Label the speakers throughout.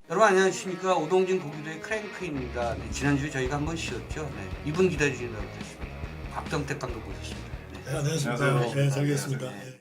Speaker 1: 여러분 안녕하십니까. 오동진 고기도의 크랭크입니다. 네, 지난주에 저희가 한번 쉬었죠. 네, 이분 기다리신다고 했습니다. 곽정택 감독 모셨습니다. 네.
Speaker 2: 네, 안녕하십니까.
Speaker 3: 안녕하세요.
Speaker 2: 네, 잘 계십니까.
Speaker 3: 안녕하세요.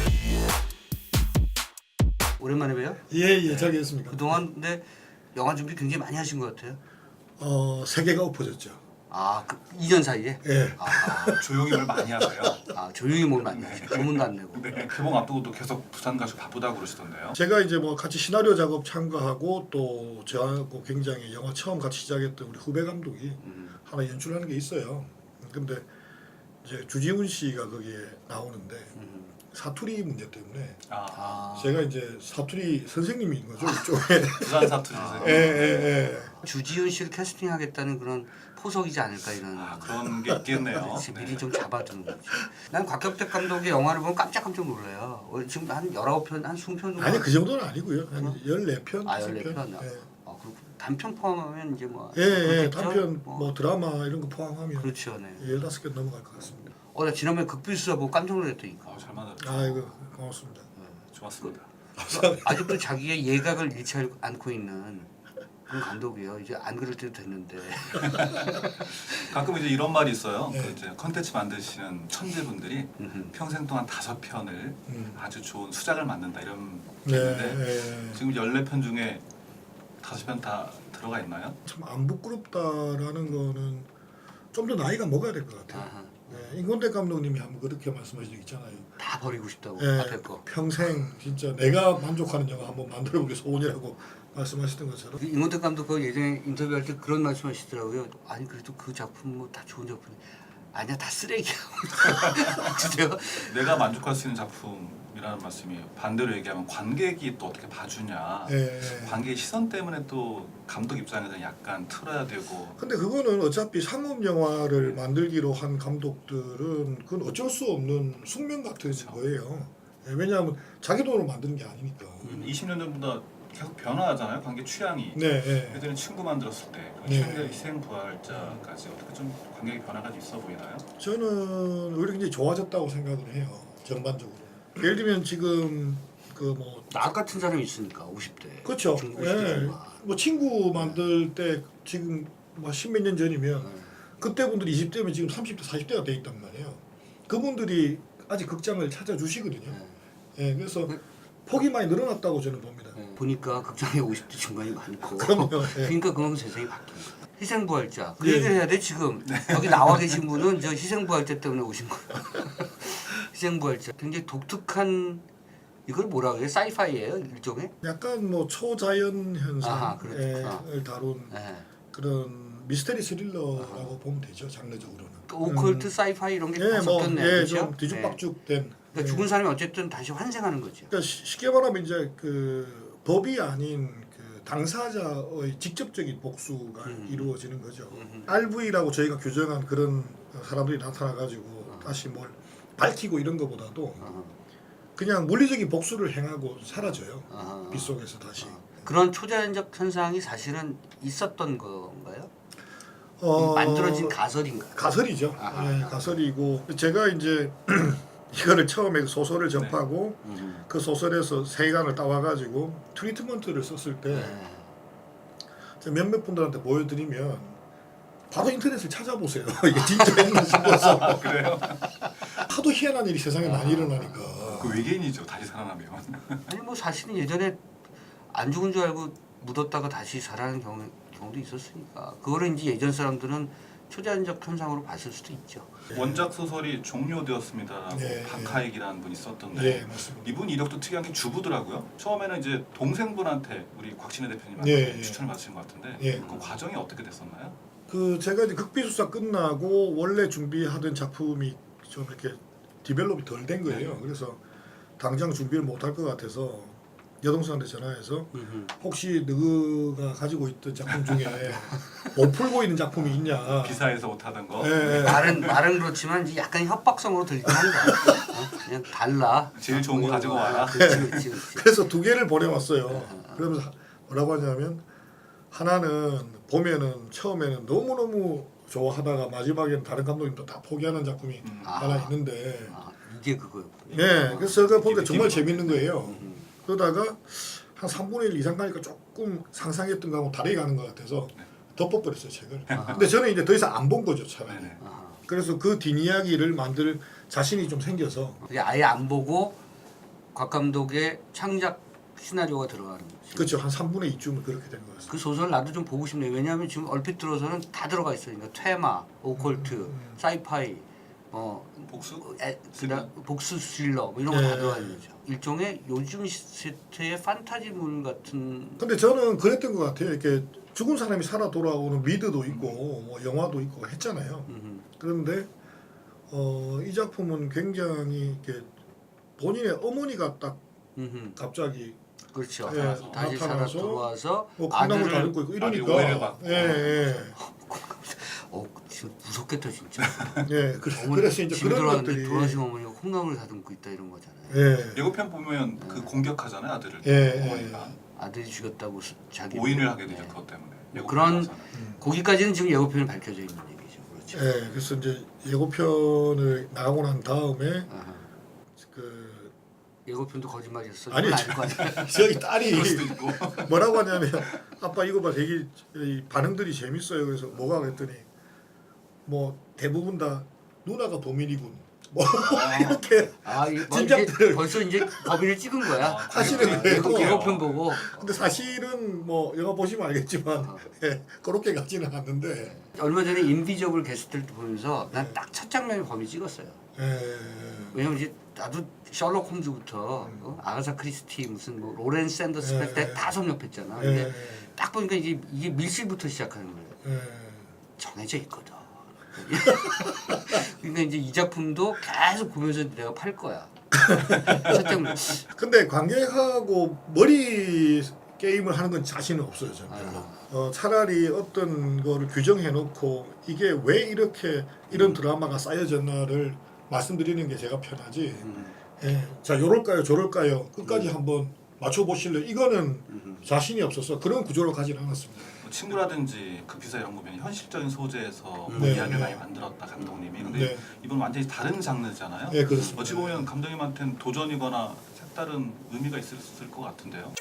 Speaker 1: 오랜만에 봬요.
Speaker 2: 예, 잘 계십니까.
Speaker 1: 그동안 근데 영화 준비 굉장히 많이 하신 것 같아요.
Speaker 2: 세 개가 엎어졌죠.
Speaker 1: 아, 그 2년 사이에?
Speaker 2: 예.
Speaker 3: 조용히 뭘 많이 하세요.
Speaker 1: 조용히 뭘 많이 하시고 소문도 안 내고.
Speaker 3: 네. 개봉 앞두고도 계속 부산 가시고 바쁘다고 그러시던데요.
Speaker 2: 제가 이제 뭐 같이 시나리오 작업 참가하고 또 저하고 굉장히 영화 처음 같이 시작했던 우리 후배 감독이 하나 연출하는 게 있어요. 근데 이제 주지훈 씨가 거기에 나오는데 사투리 문제 때문에 제가 이제 사투리 선생님인 거죠, 이쪽에.
Speaker 3: 부산 사투리 선생님.
Speaker 2: 예.
Speaker 1: 주지훈 씨를 캐스팅하겠다는 그런 포석이지 않을까 이런.
Speaker 3: 그런 게 있겠네요.
Speaker 1: 그렇지, 미리
Speaker 3: 네.
Speaker 1: 좀 잡아두는 거지. 난 곽경택 감독의 영화를 보면 깜짝깜짝 놀라요. 지금 한 19편, 한 20편 정도.
Speaker 2: 아니 그 정도는 아니고요. 한 14편,
Speaker 1: 아,
Speaker 2: 15편.
Speaker 1: 14편.
Speaker 2: 예.
Speaker 1: 그렇고 단편 포함하면 이제 뭐.
Speaker 2: 예,
Speaker 1: 그렇겠죠?
Speaker 2: 단편 뭐 드라마 이런 거 포함하면
Speaker 1: 그렇죠, 네.
Speaker 2: 15개 넘어갈 것 같습니다.
Speaker 1: 나 지난번에 극비수사 보고 깜짝 놀랐다니까.
Speaker 3: 잘 만들었죠.
Speaker 2: 아이고 고맙습니다.
Speaker 3: 좋았습니다.
Speaker 1: 아직도 자기의 예각을 잃지 않고 있는 그런 감독이에요. 이제 안 그럴 때도 됐는데.
Speaker 3: 가끔 이제 이런 말이 있어요.
Speaker 2: 네.
Speaker 3: 그 이제 컨텐츠 만드시는 천재분들이 평생 동안 5편을 아주 좋은 수작을 만든다 이런 게 있는데
Speaker 2: 네.
Speaker 3: 지금 14편 중에 5편 다 들어가 있나요?
Speaker 2: 참 안 부끄럽다라는 거는 좀 더 나이가 먹어야 될 것 같아요.
Speaker 1: 아하.
Speaker 2: 네, 인권대 감독님이 한번 그렇게 말씀하신 적 있잖아요.
Speaker 1: 다 버리고 싶다고
Speaker 2: 예,
Speaker 1: 앞에 거.
Speaker 2: 평생 진짜 내가 만족하는 영화 한번 만들어보기 소원이라고 말씀하셨던 것처럼
Speaker 1: 임원택 감독 그 예전에 인터뷰할 때 그런 말씀하시더라고요. 아니 그래도 그 작품 뭐 다 좋은 작품 아니야 다 쓰레기야. 주제가
Speaker 3: 내가 만족할 수 있는 작품이라는 말씀이 반대로 얘기하면 관객이 또 어떻게 봐주냐.
Speaker 2: 예.
Speaker 3: 관객의 시선 때문에 또 감독 입장에서는 약간 틀어야 되고.
Speaker 2: 근데 그거는 어차피 상업 영화를 만들기로 한 감독들은 그건 어쩔 수 없는 숙명 같은 거예요. 예, 왜냐하면 자기 돈으로 만드는 게 아니니까.
Speaker 3: 20년 전보다 계속 변화하잖아요. 관객 취향이.
Speaker 2: 네.
Speaker 3: 예전에 친구 만들었을 때
Speaker 2: 네.
Speaker 3: 최근에 희생부활자까지 어떻게 좀 관객의 변화가 좀 있어 보이나요?
Speaker 2: 저는 오히려 굉장히 좋아졌다고 생각을 해요. 전반적으로. 예를 들면 지금 그 뭐
Speaker 1: 나 같은 사람이 있으니까 50대.
Speaker 2: 그렇죠.
Speaker 1: 중국
Speaker 2: 예.
Speaker 1: 50대 중반.
Speaker 2: 뭐 친구 만들 때 지금 뭐 10몇 년 전이면 그때 분들이 20대면 지금 30대, 40대가 돼 있단 말이에요. 그분들이 아직 극장을 찾아주시거든요. 예, 그래서 폭이 많이 늘어났다고 저는 봅니다.
Speaker 1: 보니까 극장에 50대 중반이 많고.
Speaker 2: 그럼요. 예.
Speaker 1: 그러니까 그만큼 세상이 바뀐 거야. 희생부활자. 그
Speaker 2: 예.
Speaker 1: 얘기를 해야 돼 지금. 여기 나와 계신 분은 저 희생부활자 때문에 오신 거예요. 희생부활자. 굉장히 독특한 이걸 뭐라 그래요? 사이파이예요 일종의?
Speaker 2: 약간 뭐 초자연
Speaker 1: 아하, 그렇구나.
Speaker 2: 현상을 다룬
Speaker 1: 네.
Speaker 2: 그런 미스테리 스릴러라고 보면 되죠. 장르적으로는.
Speaker 1: 그 오컬트, 사이파이 이런 게 다
Speaker 2: 예, 뭐,
Speaker 1: 섞였네요.
Speaker 2: 예,
Speaker 1: 그렇죠?
Speaker 2: 좀 뒤죽박죽된.
Speaker 1: 그러니까
Speaker 2: 예.
Speaker 1: 죽은 사람이 어쨌든 다시 환생하는 거죠.
Speaker 2: 그러니까 쉽게 말하면 이제 그 법이 아닌 그 당사자의 직접적인 복수가 이루어지는 거죠. RV라고 저희가 규정한 그런 사람들이 나타나 가지고 다시 뭘 밝히고 이런 것보다도 그냥 물리적인 복수를 행하고 사라져요. 빛 속에서 다시.
Speaker 1: 그런 초자연적 현상이 사실은 있었던 건가요?
Speaker 2: 어,
Speaker 1: 만들어진 가설인가요?
Speaker 2: 가설이죠.
Speaker 1: 아하.
Speaker 2: 예, 가설이고 제가 이제 이거를 처음에 소설을 접하고 그 소설에서 세간을 따와가지고 트리트먼트를 썼을 때 몇몇 분들한테 보여드리면 바로 인터넷을 찾아보세요. 이게 진짜였나 싶어서.
Speaker 3: 그래요?
Speaker 2: 하도 희한한 일이 세상에 많이 일어나니까.
Speaker 3: 그 외계인이죠. 다시 살아나면.
Speaker 1: 아니 뭐 사실은 예전에 안 죽은 줄 알고 묻었다가 다시 살아나는 경우도 있었으니까 그거를 이제 예전 사람들은 초자연적 현상으로 봤을 수도 있죠.
Speaker 3: 원작 소설이 종료되었습니다라고
Speaker 2: 네.
Speaker 3: 박하익이라는 분이 썼던데
Speaker 2: 예, 맞습니다.
Speaker 3: 이분 이력도 특이한 게 주부더라고요. 처음에는 이제 동생분한테 우리 곽진애 대표님한테
Speaker 2: 예, 예.
Speaker 3: 추천을 받으신 것 같은데
Speaker 2: 예.
Speaker 3: 그 과정이 어떻게 됐었나요?
Speaker 2: 그 제가 이제 극비수사 끝나고 원래 준비하던 작품이 좀 이렇게 디벨롭이 덜 된 거예요. 그래서 당장 준비를 못할 것 같아서 여동생한테 전화해서 혹시 너가 가지고 있던 작품 중에 못 풀고 있는 작품이 있냐.
Speaker 3: 기사에서 못하던 거
Speaker 2: 예,
Speaker 1: 말은 그렇지만 이제 약간 협박성으로 들리긴 한다. 그냥 달라.
Speaker 3: 제일 좋은 거 가지고 와라.
Speaker 1: 그렇지.
Speaker 2: 그래서 2개를 보내왔어요. 그러면서 뭐라고 하냐면 하나는 보면은 처음에는 너무너무 좋아하다가 마지막에는 다른 감독님도 다 포기하는 작품이 하나 있는데
Speaker 1: 이게 그거였군요.
Speaker 2: 네, 그래서 제가 보니까 정말 재밌는 거예요. 그러다가 한 3분의 1 이상 가니까 조금 상상했던 거하고 다르게 가는 것 같아서 덮어버렸어요 책을. 근데 저는 이제 더 이상 안 본 거죠 차라리.
Speaker 3: 네네.
Speaker 1: 아하.
Speaker 2: 그래서 그 뒷이야기를 만들 자신이 좀 생겨서
Speaker 1: 그게 아예 안 보고 곽 감독의 창작 시나리오가 들어가는 거지.
Speaker 2: 그렇죠. 한 3분의 2쯤은 그렇게 된 것 같습니다.
Speaker 1: 그 소설 나도 좀 보고 싶네요. 왜냐하면 지금 얼핏 들어서는 다 들어가 있어요. 그러니까 퇴마, 오컬트, 사이파이,
Speaker 3: 복수?
Speaker 1: 그다음 복수 스릴러 뭐 이런 거 다
Speaker 2: 네.
Speaker 1: 들어가 있는 거죠. 일종의 요즘 세태의 판타지물 같은.
Speaker 2: 근데 저는 그랬던 것 같아요. 이렇게 죽은 사람이 살아 돌아오는 미드도 있고 뭐 영화도 있고 했잖아요. 그런데 이 작품은 굉장히 이렇게 본인의 어머니가 딱 갑자기
Speaker 1: 그렇죠.
Speaker 2: 예,
Speaker 1: 다시 살아
Speaker 2: 나타나서
Speaker 1: 돌아와서
Speaker 2: 뭐 콩나물
Speaker 1: 아들을
Speaker 2: 다듬고 있고
Speaker 3: 아들 오해를
Speaker 2: 이러니까
Speaker 3: 받고.
Speaker 2: 예.
Speaker 1: 지금 무섭겠다 진짜.
Speaker 2: 예.
Speaker 1: 어머니
Speaker 2: 그래서 이제
Speaker 1: 집에
Speaker 2: 그런
Speaker 1: 들어왔는데
Speaker 2: 것들이
Speaker 1: 돌아오신 어머니가 콩나물을 다듬고 있다 이런 거잖아요.
Speaker 2: 예.
Speaker 3: 예고편 보면 그 공격하잖아요 아들을.
Speaker 2: 예,
Speaker 3: 어머니가
Speaker 1: 아들이 죽였다고 자기
Speaker 3: 오인을 하게 되죠
Speaker 1: 네.
Speaker 3: 그것 때문에.
Speaker 1: 뭐 그런
Speaker 3: 예고편에서는.
Speaker 1: 거기까지는 지금 예고편에 밝혀져 있는 얘기죠. 그렇죠.
Speaker 2: 예. 그래서 이제 예고편을 나가고 난 다음에
Speaker 1: 아하.
Speaker 2: 그
Speaker 1: 예고편도 거짓말이었어.
Speaker 2: 아니,
Speaker 1: 이건 아닐 거 아니야.
Speaker 2: 저희 딸이
Speaker 3: 그럴 수도 있고.
Speaker 2: 뭐라고 하냐면 아빠 이거 봐 되게 이 반응들이 재밌어요. 그래서 뭐가 그랬더니 뭐 대부분 다 누나가 범인이군. 뭐 이렇게
Speaker 1: 아, 이제
Speaker 2: 짐작들을
Speaker 1: 벌써 이제 범인을 찍은 거야.
Speaker 2: 하시는 거예요.
Speaker 1: 예고편 보고.
Speaker 2: 근데 사실은 뭐 영화 보시면 알겠지만
Speaker 1: 어.
Speaker 2: 예, 그렇게 가지는 않는데
Speaker 1: 얼마 전에 인비저블 게스트를 보면서 난 딱 첫 장면에 범인 찍었어요.
Speaker 2: 예,
Speaker 1: 왜냐면 이제 나도 셜록 홈즈부터 아가사 크리스티 무슨 뭐 로렌 샌더스
Speaker 2: 예,
Speaker 1: 다 섭렵했잖아.
Speaker 2: 예,
Speaker 1: 근데 딱 보니까 이게 밀실부터 시작하는 거예요.
Speaker 2: 예.
Speaker 1: 정해져 있거든. 그러니까 이제 이 작품도 계속 보면서 내가 팔 거야. 첫 장면.
Speaker 2: 근데 관객하고 머리 게임을 하는 건 자신은 없어요 저는 별로. 차라리 어떤 거를 규정해 놓고 이게 왜 이렇게 이런 드라마가 쌓여졌나를 말씀드리는 게 제가 편하지. 예. 자 요럴까요 저럴까요 끝까지 한번 맞춰보실래요? 이거는 자신이 없어서 그런 구조로 가진 않았습니다.
Speaker 3: 뭐 친구라든지 그 비사 이런 거면 현실적인 소재에서 뭐
Speaker 2: 네,
Speaker 3: 이야기를
Speaker 2: 네.
Speaker 3: 많이 만들었다 감독님이. 근데
Speaker 2: 네.
Speaker 3: 이건 완전히 다른 장르잖아요.
Speaker 2: 예, 그렇습니다.
Speaker 3: 어찌 보면 감독님한테는 도전이거나 색다른 의미가 있을 것 같은데요.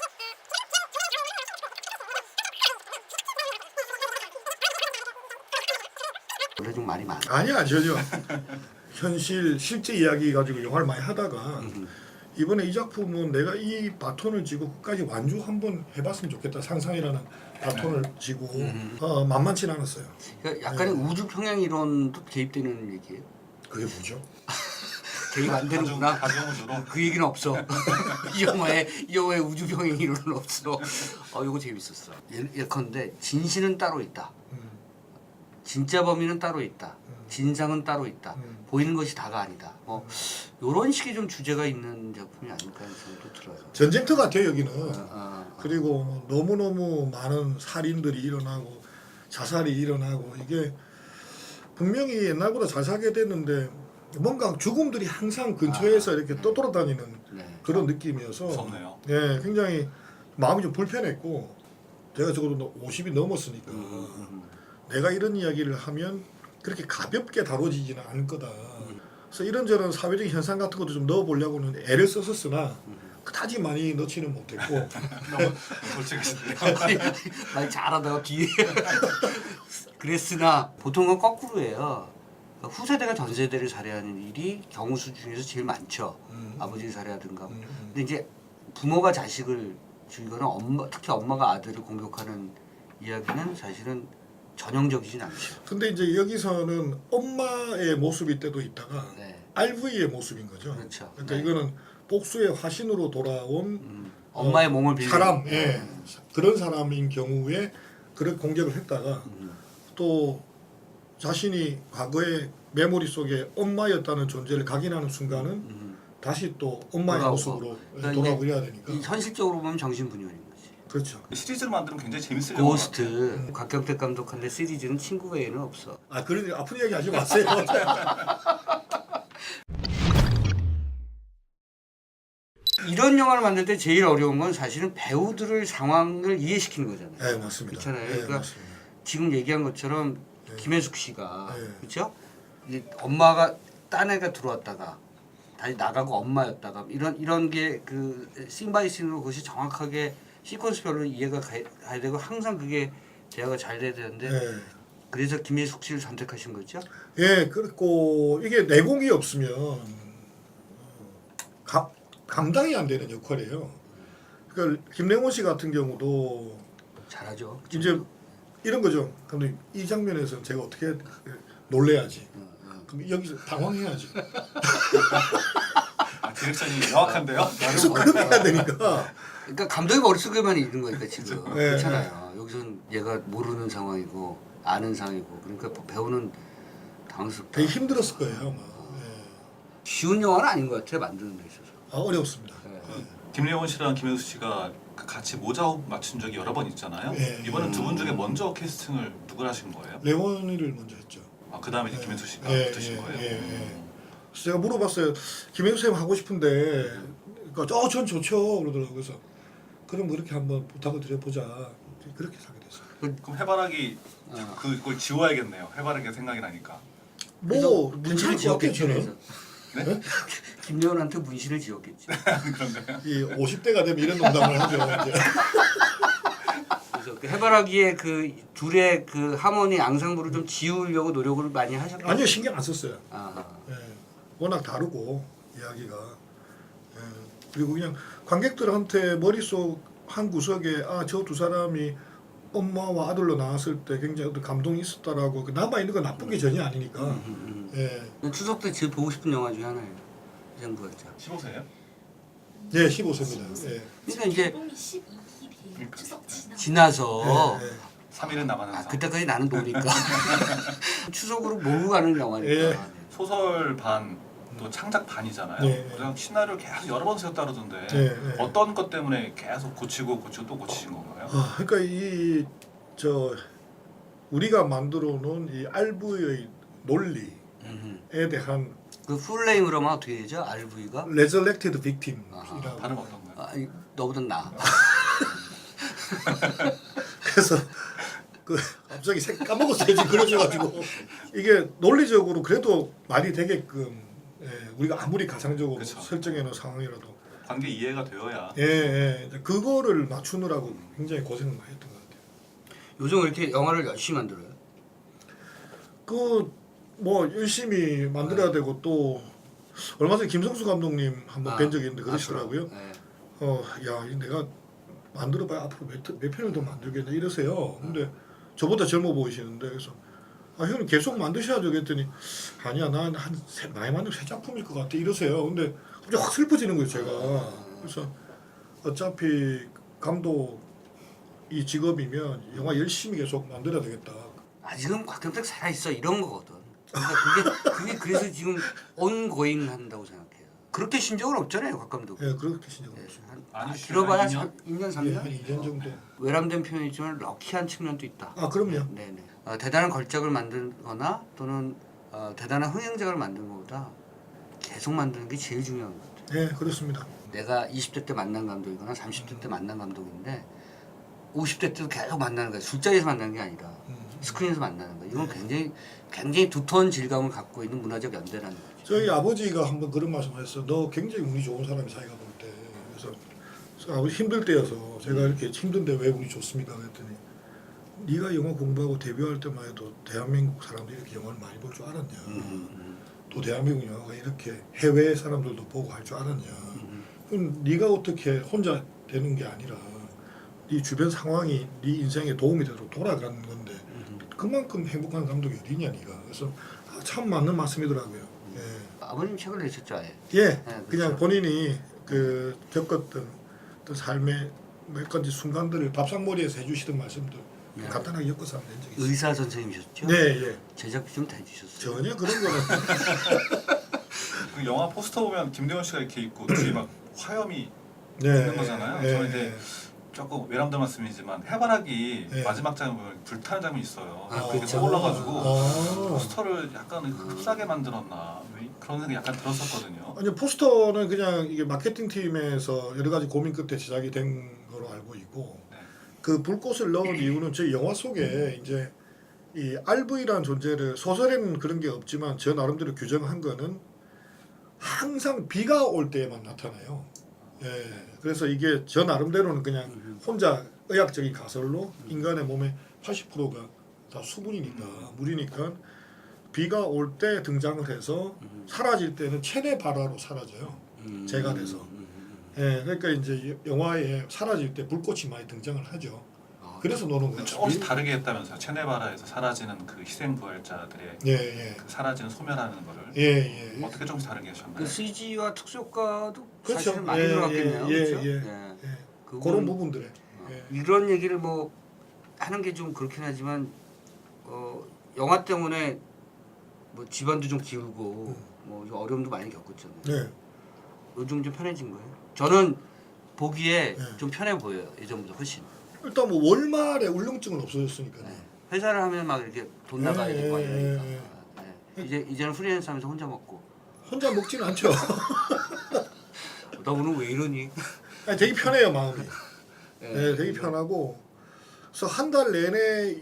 Speaker 1: 원래 좀 말이 많아.
Speaker 2: 아니야 전혀. 현실 실제 이야기 가지고 영화를 많이 하다가 이번에 이 작품은 내가 이 바톤을 쥐고 끝까지 완주 한번 해봤으면 좋겠다 상상이라는 바톤을 쥐고 만만치 않았어요.
Speaker 1: 그러니까 약간의 우주 평행 이론도 개입되는 얘기예요.
Speaker 2: 그게 뭐죠?
Speaker 1: 개입 안 되는구나.
Speaker 3: 가정으로.
Speaker 1: 그 얘기는 없어. 이 영화에 우주 평행 이론은 없어. 이거 재밌었어. 예컨대 진실은 따로 있다. 진짜 범인은 따로 있다. 진상은 따로 있다. 보이는 것이 다가 아니다. 뭐 이런 식의 좀 주제가 있는 작품이 아닐까 하는 생각도 들어요.
Speaker 2: 전쟁터 같아요 여기는. 그리고 너무너무 많은 살인들이 일어나고 자살이 일어나고 이게 분명히 옛날보다 잘 살게 됐는데 뭔가 죽음들이 항상 근처에서 이렇게 떠돌아다니는
Speaker 1: 네.
Speaker 2: 그런 느낌이어서
Speaker 3: 무섭네요.
Speaker 2: 예, 굉장히 마음이 좀 불편했고 제가 적어도 50이 넘었으니까 내가 이런 이야기를 하면 그렇게 가볍게 다뤄지지는 않을 거다. 그래서 이런저런 사회적인 현상 같은 것도 좀 넣어보려고는 애를 썼었으나 그다지 많이 넣지는 못했고
Speaker 3: 너무 솔직하신데요.
Speaker 1: 많이 잘하다가 뒤에 그랬으나 보통은 거꾸로예요. 그러니까 후세대가 전 세대를 살해하는 일이 경우수 중에서 제일 많죠. 아버지를 살해하든가. 근데 이제 부모가 자식을 죽이거나 특히 엄마가 아들을 공격하는 이야기는 사실은 전형적이진 않죠.
Speaker 2: 근데 이제 여기서는 엄마의 모습일 때도 있다가
Speaker 1: 네.
Speaker 2: RV의 모습인 거죠.
Speaker 1: 그렇죠.
Speaker 2: 그러니까
Speaker 1: 네.
Speaker 2: 이거는 복수의 화신으로 돌아온
Speaker 1: 엄마의 몸을 빌린
Speaker 2: 사람, 예, 그런 사람인 경우에 그런 공격을 했다가 또 자신이 과거의 메모리 속에 엄마였다는 존재를 각인하는 순간은 다시 또 엄마의
Speaker 1: 돌아오고.
Speaker 2: 모습으로
Speaker 1: 그러니까
Speaker 2: 돌아오야 되니까.
Speaker 1: 이 현실적으로 보면 정신분열인 거지.
Speaker 2: 그렇죠.
Speaker 3: 시리즈를 만들면 굉장히 재밌을 것 같아요.
Speaker 1: 고스트 곽경택 감독한데 시리즈는 친구 외에는 없어.
Speaker 2: 아 그런 아픈 이야기 하지 마세요.
Speaker 1: 이런 영화를 만들 때 제일 어려운 건 사실은 배우들을 상황을 이해시키는 거잖아요.
Speaker 2: 네 맞습니다.
Speaker 1: 그렇잖아요.
Speaker 2: 네,
Speaker 1: 그러니까
Speaker 2: 맞습니다.
Speaker 1: 지금 얘기한 것처럼 김혜숙 씨가
Speaker 2: 네.
Speaker 1: 그렇죠? 엄마가 딴 애가 들어왔다가 다시 나가고 엄마였다가 이런 게 그 씬바이 씬으로 그것이 정확하게 시퀀스별로 이해가 가야 되고 항상 그게 대화가 잘 돼야 되는데
Speaker 2: 예.
Speaker 1: 그래서 김혜숙 씨를 선택하신 거죠?
Speaker 2: 예, 그렇고 이게 내공이 없으면 감당이 안 되는 역할이에요. 그러니까 김래원 씨 같은 경우도
Speaker 1: 잘하죠.
Speaker 2: 이제 이런 거죠. 감독님 이 장면에서 제가 어떻게 놀래야지. 그럼 여기서 당황해야지.
Speaker 3: 디렉션이 명확한데요?
Speaker 2: 계속 그렇게 해야 되니까.
Speaker 1: 그러니까 감독이 머릿속에만 있는 거니까 지금
Speaker 2: 네,
Speaker 1: 그렇잖아요. 여기서는 얘가 모르는 상황이고 아는 상황이고 그러니까 배우는 당황스럽다.
Speaker 2: 되게 힘들었을 거예요. 아마. 예.
Speaker 1: 쉬운 영화는 아닌 것 같아요. 만드는 데 있어서.
Speaker 2: 아, 어렵습니다.
Speaker 1: 네.
Speaker 3: 김래원 씨랑 김혜수 씨가 같이 모자업 맞춘 적이 여러 번 있잖아요.
Speaker 2: 예.
Speaker 3: 이번엔 두 분 중에 먼저 캐스팅을 누가 하신 거예요?
Speaker 2: 레원이를 먼저 했죠.
Speaker 3: 아, 그 다음에 이제 김혜수 씨가
Speaker 2: 예,
Speaker 3: 붙으신
Speaker 2: 예,
Speaker 3: 거예요?
Speaker 2: 예, 예. 그래서 제가 물어봤어요. 김혜수 쌤 하고 싶은데, 그러니까 전 좋죠 그러더라고요. 그래서 그럼 그렇게 한번 부탁을 드려보자. 그렇게 사게 됐어요.
Speaker 3: 그럼 해바라기 그걸 지워야겠네요. 해바라기가 생각이 나니까.
Speaker 2: 뭐
Speaker 1: 문신을
Speaker 2: 문신을
Speaker 1: 지었겠지.
Speaker 2: 지었겠죠.
Speaker 1: 그래서.
Speaker 3: 네?
Speaker 1: 김래원한테 문신을 지었겠지.
Speaker 3: 그런가요?
Speaker 2: 이 50대가 되면 이런 농담을 하죠. 이제.
Speaker 1: 그래서 그 해바라기의 그 둘의 그 하모니 앙상블을 좀 지우려고 노력을 많이 하셨겠죠.
Speaker 2: 아니요, 신경 안 썼어요.
Speaker 1: 아,
Speaker 2: 예, 워낙 다르고 이야기가. 예, 그리고 그냥 관객들한테 머릿속 한 구석에 저 두 사람이 엄마와 아들로 나왔을 때 굉장히 어떤 감동이 있었다라고 남아 있는 건 나쁜 게 전혀 아니니까. 예,
Speaker 1: 추석 때 제일 보고 싶은 영화 중에 하나예요. 이 정도였죠.
Speaker 3: 15세예요?
Speaker 2: 예, 15세입니다. 예,
Speaker 1: 그러니까 이제
Speaker 4: 개봉이 12일이에요. 추석 지나.
Speaker 1: 지나서
Speaker 2: 예, 예.
Speaker 3: 3일은 남았는 상.
Speaker 1: 그때까지 나는 노니까 추석으로 몰고 가는 영화니까.
Speaker 2: 예.
Speaker 3: 소설 반, 또 창작 반이잖아요.
Speaker 2: 네.
Speaker 3: 그냥 시나리오를 계속 여러 번 쓰였다 그러던데
Speaker 2: 네.
Speaker 3: 어떤 것 때문에 계속 고치고 또 고치신 건가요?
Speaker 2: 그러니까 우리가 만들어 놓은 이 알부의 논리에 대한
Speaker 1: 그 풀네임으로만 어떻게 되죠? RV가?
Speaker 2: resurrected victim이라고.
Speaker 3: 발음 어떤가요?
Speaker 1: 아, 너보다 나.
Speaker 2: 그래서 그 갑자기 까먹었어요. 지금 그러셔가지고 이게 논리적으로 그래도 말이 되게끔 우리가 아무리 가상적으로
Speaker 3: 그쵸.
Speaker 2: 설정해 놓은 상황이라도
Speaker 3: 관계 이해가 되어야
Speaker 2: 그거를 맞추느라고 굉장히 고생을 많이 했던 것 같아요.
Speaker 1: 요즘 왜 이렇게 영화를 열심히 만들어요?
Speaker 2: 뭐 열심히 만들어야 되고 또 얼마 전에 김성수 감독님 한번 뵌 적이 있는데 그러시더라고요.
Speaker 1: 네.
Speaker 2: 야, 내가 만들어봐야 앞으로 몇 편을 더 만들겠냐 이러세요. 근데 저보다 젊어 보이시는데 그래서 형님 계속 만드셔야죠 그랬더니 아니야 난 많이 만들면 3작품일 것 같아 이러세요. 근데 갑자기 확 슬퍼지는 거예요 제가. 그래서 어차피 감독 이 직업이면 영화 열심히 계속 만들어야 되겠다.
Speaker 1: 아직은 곽경택 살아있어 이런 거거든. 그러니까 그게 그래서 지금 온고잉 한다고 생각해요. 그렇게 신 적은 없잖아요 곽 감독.
Speaker 2: 예, 그렇게 신경 없어요.
Speaker 3: 많이
Speaker 1: 길어봐야
Speaker 3: 쉬어요,
Speaker 1: 2년
Speaker 2: 예,
Speaker 1: 3년?
Speaker 2: 한 2년 정도.
Speaker 1: 외람된 표현이지만 럭키한 측면도 있다.
Speaker 2: 아, 그럼요.
Speaker 1: 네네. 대단한 걸작을 만들거나 또는 대단한 흥행작을 만든 것보다 계속 만드는 게 제일 중요한 것 같아요.
Speaker 2: 예, 그렇습니다.
Speaker 1: 내가 20대 때 만난 감독이거나 30대 때 만난 감독인데 50대 때도 계속 만나는 거야. 술자리에서 만나는 게 아니라 스크린에서 만나는 거야. 이건 굉장히 두터운 질감을 갖고 있는 문화적 연대라는 거죠.
Speaker 2: 저희 아버지가 한번 그런 말씀하셨어요. 너 굉장히 운이 좋은 사람이 사이가 볼 때. 그래서 아버지 힘들 때여서 제가 이렇게 힘든데 왜 운이 좋습니까? 그랬더니 네가 영화 공부하고 데뷔할 때만 해도 대한민국 사람들이 이렇게 영화를 많이 볼 줄 알았냐. 또 대한민국 영화가 이렇게 해외 사람들도 보고 할 줄 알았냐. 그럼 네가 어떻게 혼자 되는 게 아니라 네 주변 상황이 네 인생에 도움이 되도록 돌아가는 건데 그만큼 행복한 감독이 어디냐 네가. 그래서 참 맞는 말씀이더라고요. 예.
Speaker 1: 아버님 책을 내셨죠, 아예.
Speaker 2: 예,
Speaker 1: 그렇죠.
Speaker 2: 그냥 본인이 겪었던 어떤 삶의 몇 가지 순간들을 밥상머리에서 해주시던 말씀들
Speaker 1: 네.
Speaker 2: 간단하게 엮어서 하면 된 적이 있어요.
Speaker 1: 의사 선생님이셨죠?
Speaker 2: 네, 예.
Speaker 1: 제작비 좀 대주셨어요.
Speaker 2: 전혀 그런 거는
Speaker 3: 그 영화 포스터 보면 김대원 씨가 이렇게 있고 뒤에 막 화염이
Speaker 2: 네,
Speaker 3: 있는 거잖아요. 저는 이제 조금 외람된 말씀이지만 해바라기
Speaker 2: 네.
Speaker 3: 마지막 장면 보면 불타는 장면이 있어요.
Speaker 1: 아,
Speaker 3: 그게
Speaker 1: 그렇죠.
Speaker 3: 떠올라가지고
Speaker 2: 아.
Speaker 3: 포스터를 약간 흡사하게 만들었나 그런 생각이 약간 들었었거든요.
Speaker 2: 아니 포스터는 그냥 이게 마케팅 팀에서 여러 가지 고민 끝에 제작이 된 거로 알고 있고
Speaker 3: 네.
Speaker 2: 그 불꽃을 넣은 이유는 저희 영화 속에 이제 이 RV라는 존재를 소설에는 그런 게 없지만 저 나름대로 규정한 거는 항상 비가 올 때에만 나타나요. 예, 그래서 이게 저 나름대로는 그냥 혼자 의학적인 가설로 인간의 몸의 80%가 다 수분이니까 물이니까 비가 올 때 등장을 해서 사라질 때는 체내 발화로 사라져요. 재가 돼서. 예, 그러니까 이제 영화에 사라질 때 불꽃이 많이 등장을 하죠. 그래서 노는 거죠.
Speaker 3: 조금씩 다르게 했다면서요. 체내바라에서 사라지는 그 희생부활자들의
Speaker 2: 예.
Speaker 3: 그 사라지는 소멸하는 거를
Speaker 2: 예.
Speaker 3: 어떻게 조금씩 다르게 하셨나요?
Speaker 1: 그 CG와 특수효과도
Speaker 2: 그렇죠.
Speaker 1: 사실은 많이 들어갔겠네요. 그렇죠?
Speaker 2: 예.
Speaker 1: 그건
Speaker 2: 그런 부분들에. 예.
Speaker 1: 이런 얘기를 뭐 하는 게 좀 그렇긴 하지만 영화 때문에 뭐 집안도 좀 기울고 뭐 어려움도 많이 겪었잖아요.
Speaker 2: 네.
Speaker 1: 요즘 좀 편해진 거예요. 저는 보기에
Speaker 2: 네.
Speaker 1: 좀 편해 보여요. 예전보다 훨씬.
Speaker 2: 일단 뭐 월말에 울렁증은 없어졌으니까요.
Speaker 1: 네. 회사를 하면 막 이렇게 돈 나가야
Speaker 2: 예,
Speaker 1: 되고
Speaker 2: 예,
Speaker 1: 이러니까.
Speaker 2: 예,
Speaker 1: 네. 이제는 프리랜서하면서 혼자 먹고.
Speaker 2: 혼자 먹지는 않죠.
Speaker 1: 나 오늘 왜 이러니?
Speaker 2: 아니, 되게 편해요 마음이.
Speaker 1: 네.
Speaker 2: 네, 되게 편하고. 그래서 한 달 내내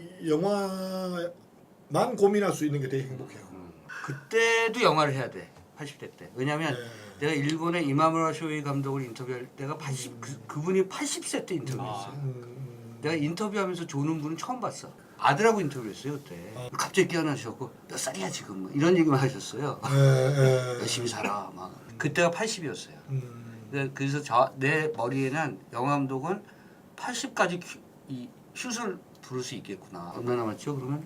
Speaker 2: 영화만 고민할 수 있는 게 되게 행복해요.
Speaker 1: 그때도 영화를 해야 돼. 80대 때. 왜냐면
Speaker 2: 네.
Speaker 1: 내가 일본의 이마무라 쇼이 감독을 인터뷰할 때가 그분이 80세 때 인터뷰했어요. 내가 인터뷰하면서 조는 분은 처음 봤어. 아들하고 인터뷰했어요 그때. 갑자기 깨어나셔갖고 몇 살이야 지금 뭐 이런 얘기만 하셨어요. 열심히 살아 막. 그때가 80이었어요. 그래서 내 머리에는 영화 감독은 80까지 이 슛을 부를 수 있겠구나. 얼마 남았죠 그러면?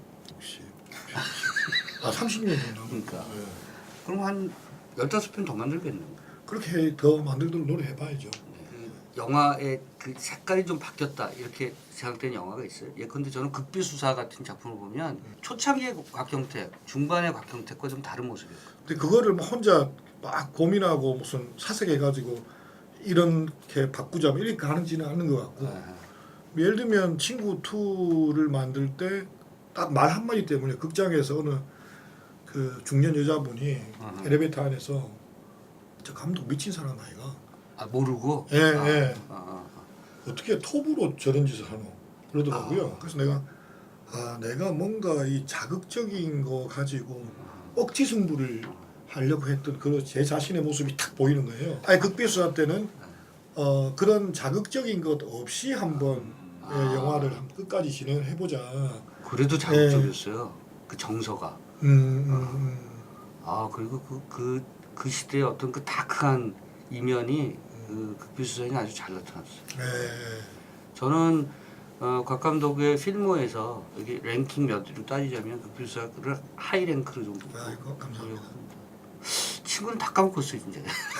Speaker 2: 30년 정도.
Speaker 1: 그러니까.
Speaker 2: 네.
Speaker 1: 그럼 한 15편 더 만들겠네요.
Speaker 2: 그렇게 더 만들도록 노력해봐야죠.
Speaker 1: 영화의 그 색깔이 좀 바뀌었다 이렇게 생각되는 영화가 있어요. 예컨대 저는 극비수사 같은 작품을 보면 초창기의 곽경택, 중반의 곽경택과 좀 다른 모습이었거든요.
Speaker 2: 근데 그거를 막 혼자 막 고민하고 무슨 사색해가지고 이렇게 바꾸자면 이렇게 가는지는 않는 것 같고 예를 들면 친구 2를 만들 때 딱 말 한마디 때문에 극장에서 어느 그 중년 여자분이 엘리베이터 안에서 저 감독 미친 사람 아이가
Speaker 1: 모르고?
Speaker 2: 예. 어떻게 톱으로 저런 짓을 하노 그러더라고요. 그래서 내가 뭔가 이 자극적인 거 가지고 억지 승부를 하려고 했던 그 제 자신의 모습이 탁 보이는 거예요. 아니 극비수사 때는 그런 자극적인 것 없이 한번 영화를 끝까지 진행을 해보자.
Speaker 1: 그래도 자극적이었어요. 그 정서가. 그리고 그 시대의 어떤 그 다크한 이면이 그 극비수사에 아주 잘 나타났어요. 저는 곽 감독의 필모에서 여기 랭킹 몇으로 따지자면 극비수사를 하이 랭크로 정도.
Speaker 2: 아이고 감사합니다.
Speaker 1: 친구는 다 까먹었어요 이제.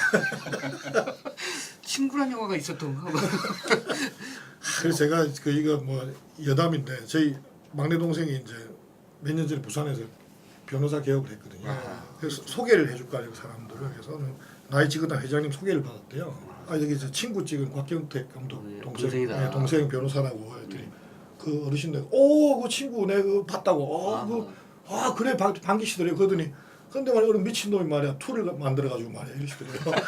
Speaker 1: 친구란 영화가 있었던가.
Speaker 2: 그래서 제가 이거 뭐 여담인데 저희 막내 동생이 이제 몇 년 전에 부산에서 변호사 개업을 했거든요. 그래서 소개를 해줄까 하고 사람들을 그래서 나이 지긋한 회장님 소개를 받았대요. 여기 저 친구 찍은 곽경택 감독
Speaker 1: 동생이다.
Speaker 2: 동생 변호사라고 했더니 그 어르신들 그 친구 내가 그거 봤다고 그래 반기시더래요. 그러더니 근데 말이야 그런 미친놈이 말이야 툴을 만들어가지고 말이야 이러시더래요.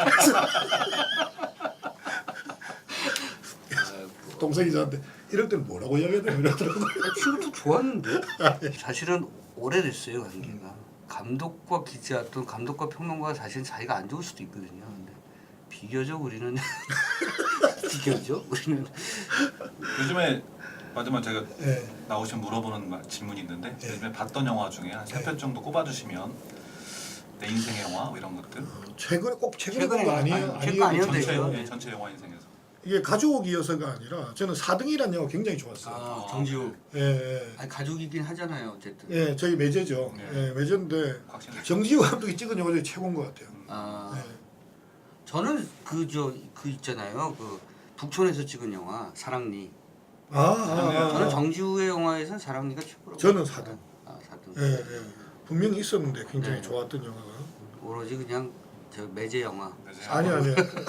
Speaker 2: 동생이 저한테 이럴 때는 뭐라고 이야기해야 되나 이러더라고요.
Speaker 1: 친구도 좋았는데 사실은 오래됐어요 관계가. 감독과 기자 또는 감독과 평론가가 사실 사이가 안 좋을 수도 있거든요. 근데 비교적 우리는
Speaker 3: 요즘에 마지막 제가 나오시면 물어보는 질문이 있는데 요즘에 봤던 영화 중에 한 3편 정도 꼽아주시면 내 인생의 영화 뭐 이런 것들
Speaker 2: 최근에 본 거 아니에요?
Speaker 1: 최근
Speaker 2: 아니에요.
Speaker 3: 전체 영화 인생에서
Speaker 2: 이게 가족이어서가 아니라 저는 4등이라는 영화 굉장히 좋았어요.
Speaker 1: 정지우.
Speaker 2: 예.
Speaker 1: 가족이긴 하잖아요 어쨌든.
Speaker 2: 예, 저희 매제죠. 매제인데 정지우 감독이 찍은 영화 중에 최고인 것 같아요.
Speaker 1: 저는 그 있잖아요. 그 북촌에서 찍은 영화 사랑니. 저는 정지우의 영화에선 사랑니가 최고라고.
Speaker 2: 저는 4등.
Speaker 1: 4등.
Speaker 2: 예. 분명히 있었는데 굉장히 좋았던 영화가.
Speaker 1: 오로지 그냥 저 매제 영화.
Speaker 2: 아니요.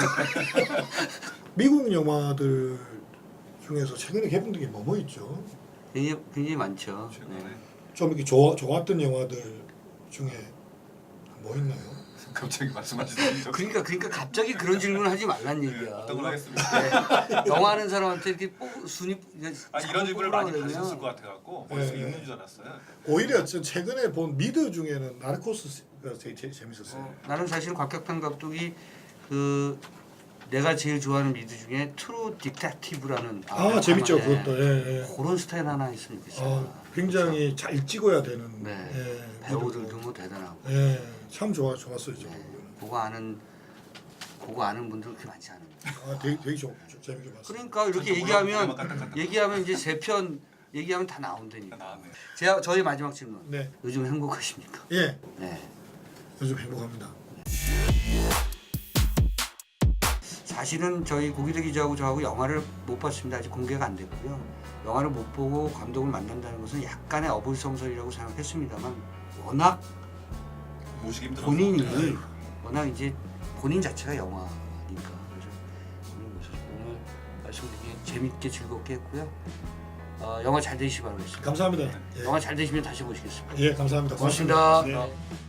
Speaker 2: 미국 영화들 중에서 최근에 개봉된 게 뭐 있죠?
Speaker 1: 굉장히 많죠.
Speaker 3: 최근에
Speaker 2: 좀 이렇게 좋았던 영화들 중에 뭐 있나요?
Speaker 3: 갑자기 말씀하시더니
Speaker 1: 그러니까 갑자기 그런 질문을 하지 말란 얘기야.
Speaker 3: 어떤 걸 하겠습니다.
Speaker 1: 영화 하는 사람한테 이렇게 순위
Speaker 3: 이런 질문을 많이 받으셨을 것 같아갖고 머릿속에 있는 줄 알았어요.
Speaker 2: 오히려 전 최근에 본 미드 중에는 나르코스가 되게 재밌었어요.
Speaker 1: 나는 사실 곽격탄 감독이 그 내가 제일 좋아하는 미드 중에 트루 디텍티브라는
Speaker 2: 재밌죠
Speaker 1: 예.
Speaker 2: 그것도. 예, 예.
Speaker 1: 그런 스타일 하나 있으면 좋겠어요.
Speaker 2: 굉장히 잘 찍어야 되는.
Speaker 1: 네.
Speaker 2: 예,
Speaker 1: 배우들도 뭐 대단하고.
Speaker 2: 예, 참 좋았어요 저
Speaker 1: 네.
Speaker 2: 부분은.
Speaker 1: 그거 아는 분들 그렇게 많지 않아요.
Speaker 2: 되게 재밌게 봤어요.
Speaker 1: 그러니까 이렇게 얘기하면 이제 세 편 얘기하면 다 나온다니까.
Speaker 3: 나왔네.
Speaker 1: 저희 마지막 질문.
Speaker 2: 네,
Speaker 1: 요즘 행복하십니까?
Speaker 2: 예,
Speaker 1: 네.
Speaker 2: 요즘 행복합니다.
Speaker 1: 사실은 저희 고기대 기자하고 저하고 영화를 못 봤습니다. 아직 공개가 안 됐고요. 영화를 못 보고 감독을 만난다는 것은 약간의 어불성설이라고 생각했습니다만 워낙
Speaker 3: 모시기 힘들어.
Speaker 1: 본인이 워낙 이제 본인 자체가 영화니까 그래서 오늘 말씀드리기 재밌게 즐겁게 했고요. 영화 잘 되시기 바라겠습니다.
Speaker 2: 감사합니다. 예,
Speaker 1: 영화 잘 되시면 다시 모시겠습니다.
Speaker 2: 예 감사합니다.
Speaker 1: 고맙습니다.
Speaker 2: 네.